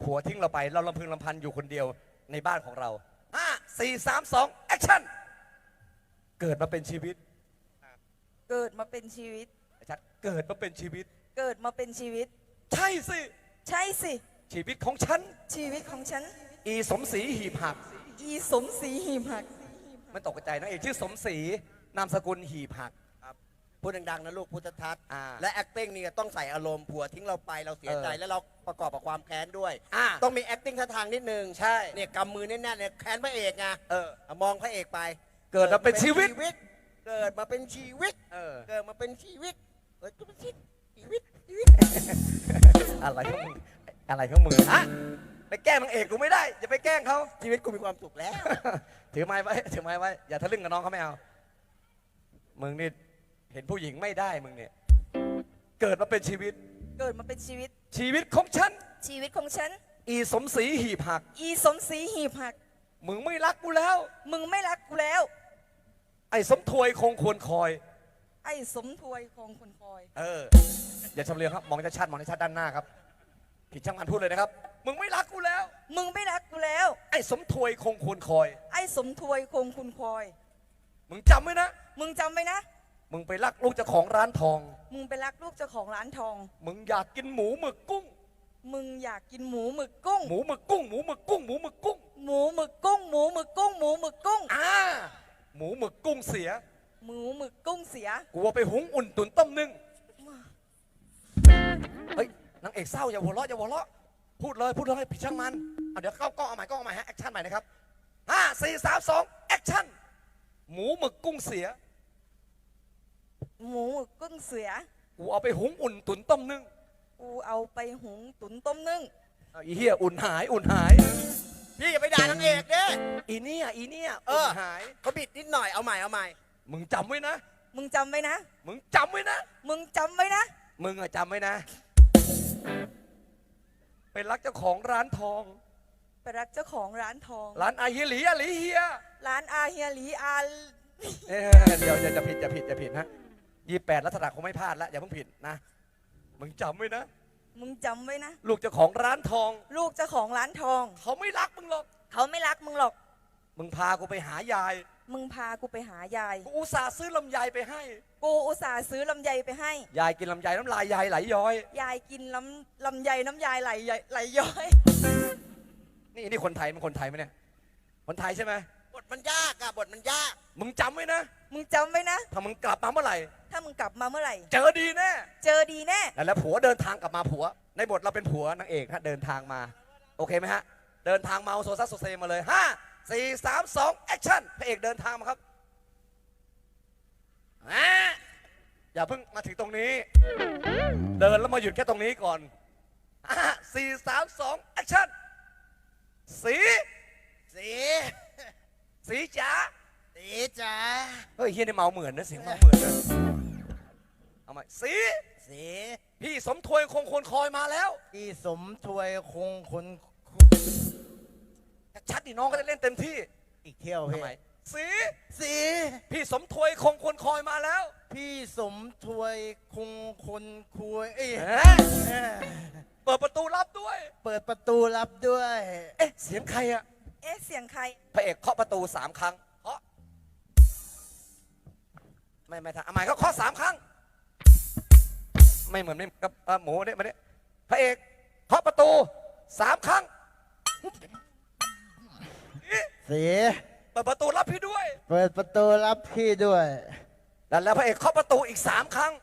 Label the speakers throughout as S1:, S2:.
S1: ผัวทิ้งเราไปเราลำพึงลำพันอยู่คนเดียวในบ้านของเรา5 4 3 2แอคชั่นเกิดมาเป็นชีวิต
S2: เกิดมาเป็นชีวิต
S1: ชัดเกิดมาเป็นชีวิต
S2: เกิดมาเป็นชีวิต
S1: ใช่สิ
S2: ใช่สิ
S1: ชีวิตของฉัน
S2: ชีวิตของฉัน
S1: อีสมศรีหีบหัก
S2: อีสมศรีหีบหัก
S1: ไม่ตกใจนะเอกชื่อสมศรีนามสกุลหีบหัก
S3: พูดดังๆนะลูกพุทธทัศน์และ acting นี่ต้องใส่อารมณ์ผัวทิ้งเราไปเราเสียใจแล้วเราประกอบกับความแค้นด้วยต้องมี acting ท่าทางนิดนึง
S1: ใช่
S3: เนี่ยกำมือแน่นๆเนี่ยแค้นพระเอกไงมองพระเอกไป
S1: เกิดมาเป็นชีวิต
S3: เกิดมาเป็นชีวิตเกิดมาเป็นชีวิตเกิดมาเป็นชีวิต
S1: อะไรของมึงอะไรของมึงฮะไปแกล้งนางเอกกูไม่ได้อย่าไปแกล้งเขา
S3: ชีวิตกูมีความสุขแล้ว
S1: ถือไม้ไว้ถือไม้ไว้อย่าทะลึ่งกับน้องเขาไม่เอามึงนี่เห็นผู้หญิงไม่ได้มึงเนี่ยเกิดมาเป็นชีวิต
S2: เกิดมาเป็นชีวิต
S1: ชีวิตของฉัน
S2: ชีวิตของฉัน
S1: อีสมศรีหีบหัก
S2: อีสมศรีหีบหัก
S1: มึงไม่รักกูแล้ว
S2: มึงไม่รักกูแล้ว
S1: ไอ้สมถวยคงควรคอย
S2: ไอ้สมถวยคงควรคอย
S1: อย่าชำเลืองครับมองชัดๆมองชัดๆด้านหน้าครับผิดช่างมันพูดเลยนะครับมึงไม่รักกูแล้ว
S2: มึงไม่รักกูแล้ว
S1: ไอ้สมถวยคงควรคอย
S2: ไอ้สมถวยคงควรคอย
S1: มึงจำไว้นะ
S2: มึงจำไว้นะ
S1: มึงไปรักลูกเจ้าของร้านทอง
S2: มึงไปรักลูกเจ้าของร้านทอง
S1: มึงอยากกินหมูหมึกกุ้ง
S2: มึงอยากกินหมูหมึกกุ้ง
S1: หมูหมึกกุ้งหมูหมึกกุ้งหมูหมึกกุ้ง
S2: หมูหมึกกุ้งหมูหมึกกุ้งหมูหมึกกุ้ง
S1: หมูหมึกกุ้งเสีย
S2: หมูหมึกกุ้งเสีย
S1: กูเอาไปหุงอุ่นตุ๋นต้มนึ่งเฮ้ยนางเอกเศร้าอย่าหัวเราะอย่าหัวเราะพูดเลยผิดช่างมันเดี๋ยวเข้ากล้องเอาใหม่ฮะแอคชั่นใหม่นะครับ5 4 3 2แอคชั่นหมูหมึกกุ้งเสีย
S2: หมูหมึกกุ้งเสีย
S1: กูเอาไปหุงอุ่นตุ๋นต้มนึ่ง
S2: กูเอาไปหุงตุ๋นต้มนึ่ง
S1: อีเหี้ยอุ่นหาย
S3: พี่อย่าไปด่านางเอกเด้
S1: อีเนี่ยอุ่นหาย
S3: เขาบิดนิดหน่อยเอาใหม่
S1: มึงจำไว้นะ
S2: มึงจำไว้นะ
S1: มึงจำไว้นะ
S2: มึงจำไว้นะ
S1: มึงจำไว้นะไปรักเจ้าของร้านทอง
S2: ไปรักเจ้าของร้านทอง
S1: ร้านอาเฮียหลีเฮีย
S2: ร้านอาเฮียหลี
S1: เดี๋ยวจะผิดนะ28ลักษณะคงไม่พลาดแล้วอย่าเพิ่งผิดนะมึงจำไว้นะ
S2: มึงจำไว้นะ
S1: ลูกเจ้าของร้านทอง
S2: ลูกเจ้าของร้านทอง
S1: เขาไม่รักมึงหรอก
S2: เขาไม่รักมึงหรอก
S1: มึงพากูไปหายาย
S2: มึงพากูไปหายาย
S1: กูอุตส่าห์ซื้อลำไยไปให้
S2: กูอุตส่าห์ซื้อลำไยไปให้
S1: ยายกินลำไยน้ำลายยายไหลย้อย
S2: ยายกินลำไยน้ำยายไหลย้อย
S1: นี่คนไทยมันคนไทยไหมเนี่ยคนไทยใช่ไหม
S3: บทมันยากบทมันยาก
S1: มึงจำไว้นะ
S2: มึงจำไว้นะ
S1: ถ้ามึงกลับมาเมื่อไหร่เจอดีแน่แล้วผัวเดินทางกลับมาผัวในบทเราเป็นผัวนางเอกฮะเดินทางมาโอเคไหมฮะเดินทางมาโซซัสโซเซมาเลย5 4 3 2แอคชั่นพระเอกเดินทางมาครับอย่าเพิ่งมาถึงตรงนี้เดินแล้วมาหยุดแค่ตรงนี้ก่อน5 4 3 2แอคชั่นสีจ๋าเฮ้ยเฮียนี่เมาเหมือนนะเสียงเมาเหมือนนะเอาใหม่สีพี่สมถวยคงคนคอยมาแล้ว
S3: พี่สมถวยคงคน
S1: ชัดดิน้องก็จะเล่นเต็มที่
S3: อีกเที่ยวพี่
S1: สีพี่สมถวยคงคนคอยมาแล้ว
S3: พี่สมถวยคงคนคุย
S1: เปิดประตูรับด้วย
S3: เอ๊ะ
S1: เสียงใครอะ
S2: เสียงใคร
S1: พระเอกเคาะประตู3 ครั้งเคาะไม่ทันเอาใหม่เขาเคาะ3 ครั้งไม่เหมือนไม่กับหมูเนี่ยมาเนี่ยพระเอกเคาะประตู3 ครั้งเปิดประตูรับพี่ด้วยแล้วพระเอกเคาะประตูอีก3 ครั้ง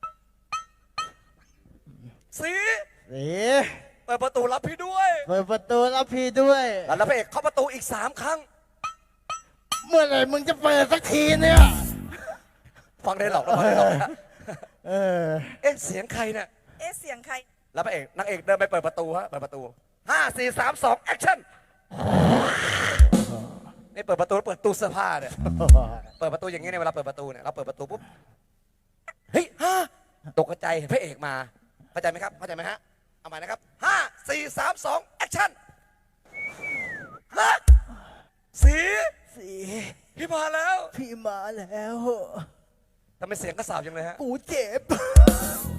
S1: เปิดประตูรับพี่ด้วย
S3: แล้วพระ
S1: เอกเคาะประตูอีก3 ครั้ง
S3: เมื่อไหร่มึงจะเปิดสักทีเนี่ย
S1: ฟังได้หรอกเสียงใครเนี่ย
S2: เสียงใคร
S1: แล้วพระเอกนางเอกเดินไปเปิดประตูเปิดประตู5 4 3 2แอคชั่นนี่เปิดประตูเปิดตู้เสื้อผ้าเนี่ยเปิดประตูอย่างนี้ในเวลาเปิดประตูเนี่ยเราเปิดประตูปุ๊บเฮ้ยตกใจเห็นพระเอกมาเข้าใจไหมครับเข้าใจไหมฮะเอาใหม่นะครับ5 4 3 2แอคชั่นพี่มาแล้ว
S3: ทำไมเสียงกระสาบจังเลยฮะ
S1: กูเจ็บ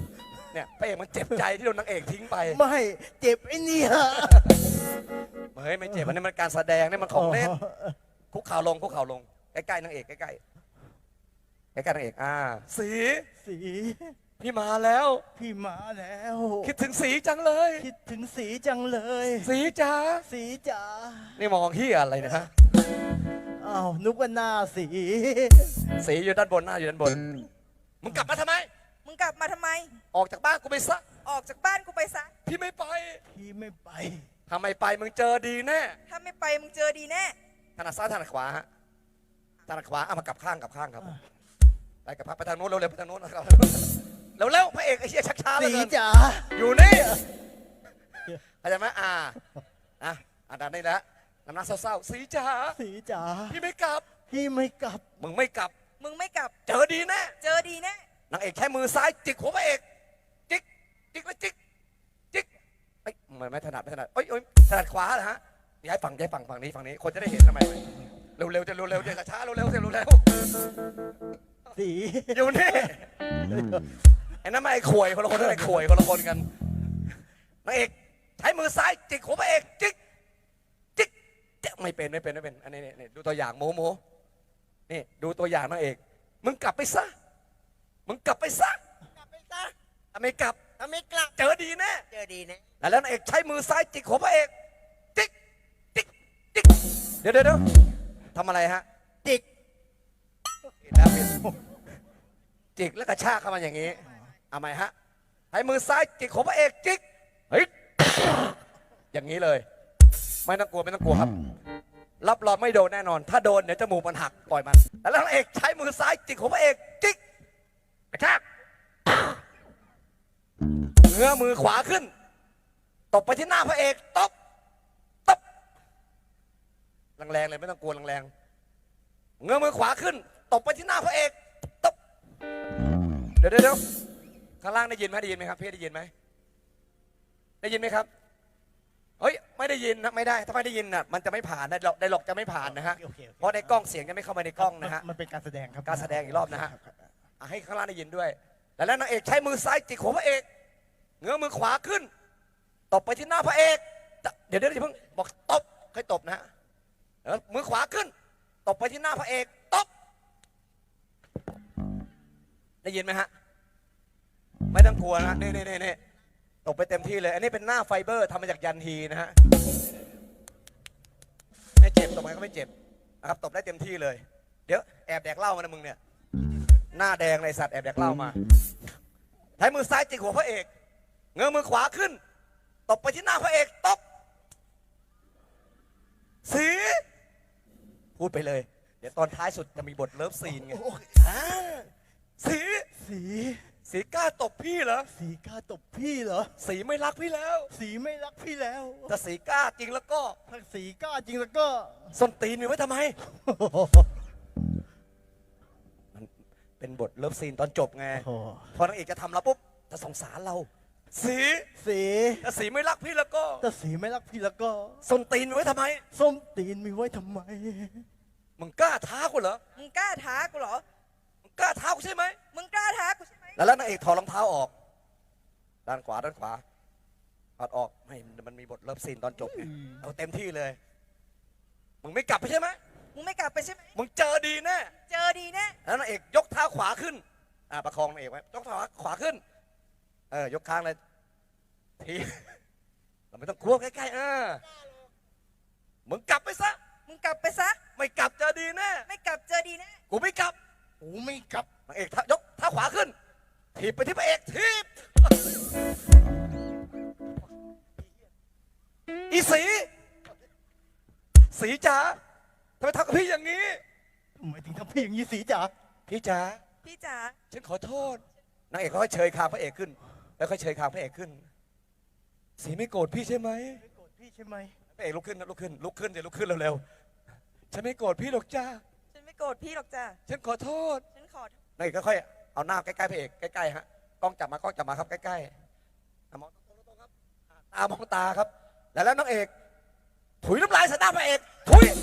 S1: เนี่ยพระเอกมันเจ็บใจที่โดนนางเอกทิ้งไป
S3: ไม่เจ็บไอ้เนี่ย
S1: เฮ้ยไม่เจ็บอันนี้มันการแสดงนี่มันของเล่นคุกเข่าลงคุกเข่าลงใกล้ๆนางเอกใกล้ๆใกล้ๆนางเอกสี
S3: สี
S1: พี่มาแล้ว
S3: พี่มาแล้ว
S1: คิดถึงสีจังเลย
S3: คิดถึงสีจังเลย
S1: สีจ๋า
S3: สีจ๋า
S1: นี่มองเฮียอะไรนะฮะ
S3: อ้าวนึกว่าหน้าสี
S1: สีอยู่ด้านบนหน้าอยู่ด้านบนมึงกลับมาทำไม
S2: มึงกลับมาทำไม
S1: ออกจากบ้านกูไปซะ
S2: ออกจากบ้านกูไปซะ
S1: พี่ไม่ไป
S3: พี่ไม่ไป
S1: ทำไมไปมึงเจอดีแน่
S2: ถ้าไม่ไปมึงเจอดีแน่
S1: ถนัดซ้ายถนัดขวาฮะถนัดขวาเอามากลับข้างครับไปกับพักไปทางโน้นเร็วๆไปทางโน้นนะครับเร็วๆพระเอกไอ้เชี่ยชักช้าเหล
S3: สี
S1: ยเกิน
S3: จ๋า
S1: อยู่นี่เข้าใจไหมด่านนี้นะน้ำหน้าเศร้าๆสีจ๋า
S3: สีจ๋า
S1: พี่ไม่กลับ
S3: พี่ไม่กลับ
S1: มึงไม่กลับ
S2: มึงไม่กลับ
S1: เจอดีแน่
S2: เจอดีแน่
S1: นางเอกใช้มือซ้ายจิกหัวพระเอกจิกแล้วจิกเอ้ยไม่ถนัดเอ้ยถนัดขวาเหรอฮะย้ายฝั่งฝั่งนี้คนจะได้เห็นทำไมเร็วๆจะช้าเร็ว
S3: สี
S1: อยู่นี่ไอ้นั่นไม่ไอ้ข่วยคนละคนนั่นไอ้ข่วยคนละคนกันนางเอกใช้มือซ้ายจิกหัวพระเอกจิกไม่เป็นอันนี้นี่ดูตัวอย่างโมนี่ดูตัวอย่างนางเอกมึงกลับไปซะถ้าไม่กลับเจอดีแน่
S3: เจอดีนะ
S1: แล้วนางเอกใช้มือซ้ายจิกหัวพระเอกจิกเดี๋ยวทำอะไรฮะ
S3: จิก
S1: แล้วจิกแล้วกระชากเข้ามาอย่างนี้เอาไหมฮะใช้มือซ้ายจิกหัวพระเอกจิกเฮ้ยอย่างนี้เลยไม่ต้องกลัวครับรับรองไม่โดนแน่นอน ถ้าโดนเดี๋ยวจมูกมันหักปล่อยมันแล้วนางเอกใช้มือซ้ายจิกหัวพระเอกจิกกระชากเงื้อมือขวาขึ้นตบไปที่หน้าพระเอกตบแรงๆเลยไม่ต้องกลัวแรงๆเงื้อมือขวาขึ้นตบไปที่หน้าพระเอกตบเดี๋ยวข้างล่างได้ยินไหมครับพี่ได้ยินไหมครับเฮ้ยไม่ได้ยินนะไม่ได้ถ้าไม่ได้ยินน่ะมันจะไม่ผ่านได้หลอกจะไม่ผ่านนะฮะเพราะในกล้องเสียงจะไม่เข้ามาในกล้องนะฮะ
S3: มันเป็นการแสดงครับ
S1: การแสดงอีกรอบนะฮะให้ข้างล่างได้ยินด้วยแล้วนางเอกใช้มือซ้ายจิกหัวพระเอกเงื้อมือขวาขึ้นตบไปที่หน้าพระเอกเดี๋ยวอย่าเพิ่งบอกตบค่อยตบนะฮะมือขวาขึ้นตบไปที่หน้าพระเอกตบได้ยินไหมฮะไม่ต้องกลัวนะนี่ตบไปเต็มที่เลยอันนี้เป็นหน้าไฟเบอร์ทำมาจากยันฮีนะฮะไม่เจ็บตบไปก็ไม่เจ็บนะครับตบได้เต็มที่เลยเดี๋ยวแอบแดกเหล้ามานะมึงเนี่ยหน้าแดงในสัตว์แอบแดกเหล้ามาใช้มือซ้ายจิกหัวพระเอกเงื้อมือขวาขึ้นตบไปที่หน้าพระเอกตบสีพูดไปเลยเดี๋ยวตอนท้ายสุดจะมีบทเลิฟซีนไงสีกล้าตบพี่เหรอ
S3: สีกล้าตบพี่เหรอ
S1: สีไม่รักพี่แล้ว
S3: สีไม่รักพี่แล้ว
S1: ถ้าสีกล้าจริงแล้วก็
S3: ถ้าสีกล้าจริงแล้วก็
S1: ส้นตีนมีไว้ทำไมมันเป็นบทเลิฟซีนตอนจบไงพอนางเอกจะทำแล้วปุ๊บจะสงสารเราสีถ้าสีไม่รักพี่แล้วก็
S3: ถ้าสีไม่รักพี่แล้วก็
S1: ส้นตีนมีไว้ทำไม
S3: ส้มตีนมีไว้ทำไม
S1: มึงกล้าท้ากูเหรอ
S2: มึงกล้าท้ากูเหรอ
S1: มึงกล้าท้ากูใช่ไหม
S2: มึงกล้าท้ากูใช่ไหม
S1: แล้วนางเอกถอดรองเท้าออกด้านขวาถอดออกไม่มันมีบทเลิฟซีนตอนจบไงเอาเต็มที่เลยมึงไม่กลับไปใช่ไหม
S2: มึงไม่กลับไปใช่ไหม
S1: มึงเจอดีแน่
S2: เจอดีแน่
S1: แล้วนางเอกยกเท้าขวาขึ้นประคองนางเอกไว้ยกเท้าขวาขึ้นยกค้างเลยทีเราไม่ต้องกลัวใกล้ๆมึงกลับไปซะ
S2: มึงกลับไปซะ
S1: ไม่กลับเจอดีแน่
S2: ไม่กลับเจอดีแน่
S1: กูไม่กลับ
S3: กูไม่กลับ
S1: นางเอกยกเท้าขวาขึ้นถีบไปที่พระเอกถีบอีสีจ๋าทำไมทำกับพี่อย่างนี้
S3: ทำไมถึงทำพี่อย่างนี้สีจ๋า
S1: พี่จ๋า
S2: พี่จ๋า
S1: ฉันขอโทษนางเอกค่อยเชยคางพระเอกขึ้นแล้วค่อยเชยคางพระเอกขึ้นสีไม่โกรธพี่ใช่ไหม
S3: ไม่โกรธพี่ใช่ไหม
S1: พระเอกลุกขึ้นเดี๋ยวลุกขึ้นเร็วๆฉันไม่โกรธพี่หรอกจ้า
S2: ฉันไม่โกรธพี่หรอกจ้า
S1: ฉันขอโทษ
S2: ฉันขอ
S1: นางเอกค่อยๆเอาหน้าใกล้ๆพระเอกใกล้ๆฮะกล้องจับมาครับใกล้ๆมองตรงๆครับตามองตาครับแล้วนางเอกถุยน้ำลายใส่หน้าพระเอกถุย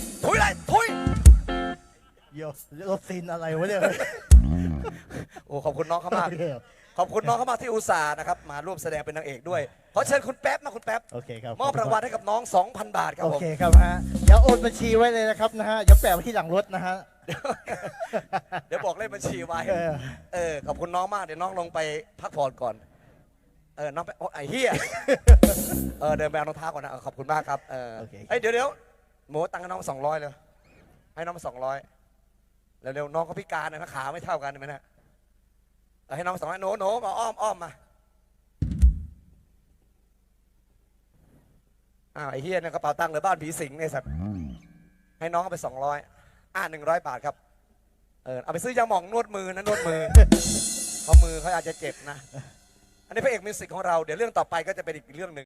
S3: เดี๋ยวรถซีนอะไรวะเนี่ย
S1: โอ้ขอบคุณน้องเขามากขอบคุณน้องเข้ามาที่อุตส่าห์นะครับมาร่วมแสดงเป็นนางเอกด้วยขอเชิญคุณแป๊บมาคุณแป๊บ
S4: โอเคครับ
S1: มอบรางวัลให้กับน้อง 2,000 บาทครับ
S4: โอ
S1: ผม
S4: เคครับฮะเดี๋ยวโอนบัญชีไว้เลยนะครับนะฮะเดี๋ยวแปะไว้ที่หลังรถนะฮะ
S1: เดี๋ยวบอกเลขบัญชีไว้
S4: เออ
S1: ขอบคุณน้องมากเดี๋ยวน้องลงไปพักผ่อนก่อนน้องไปโอ้ไอ้เหี้ยเดินไปเอารองเท้าก่อนนะขอบคุณมากครับ
S4: โอเค
S1: เดี๋ยวหมูตังค์ให้น้อง200เลยให้น้อง200เร็วๆน้องเขาพิการนะขาไม่เท่ากันเห็นไหมนะให้น้อง200โน้มาอ้อมมาไอ้เฮียเนี่ยกระเป๋าตังค์เลยบ้านผีสิงเนี่ยสัตว์ให้น้องเอาไป200 100 บาทครับเอาไปซื้อยาหม่องนวดมือนะนวดมือ เพราะมือเขาอาจจะเจ็บนะ อันนี้พระเอกมิวสิกของเราเดี๋ยวเรื่องต่อไปก็จะเป็นอีกเรื่องหนึ่ง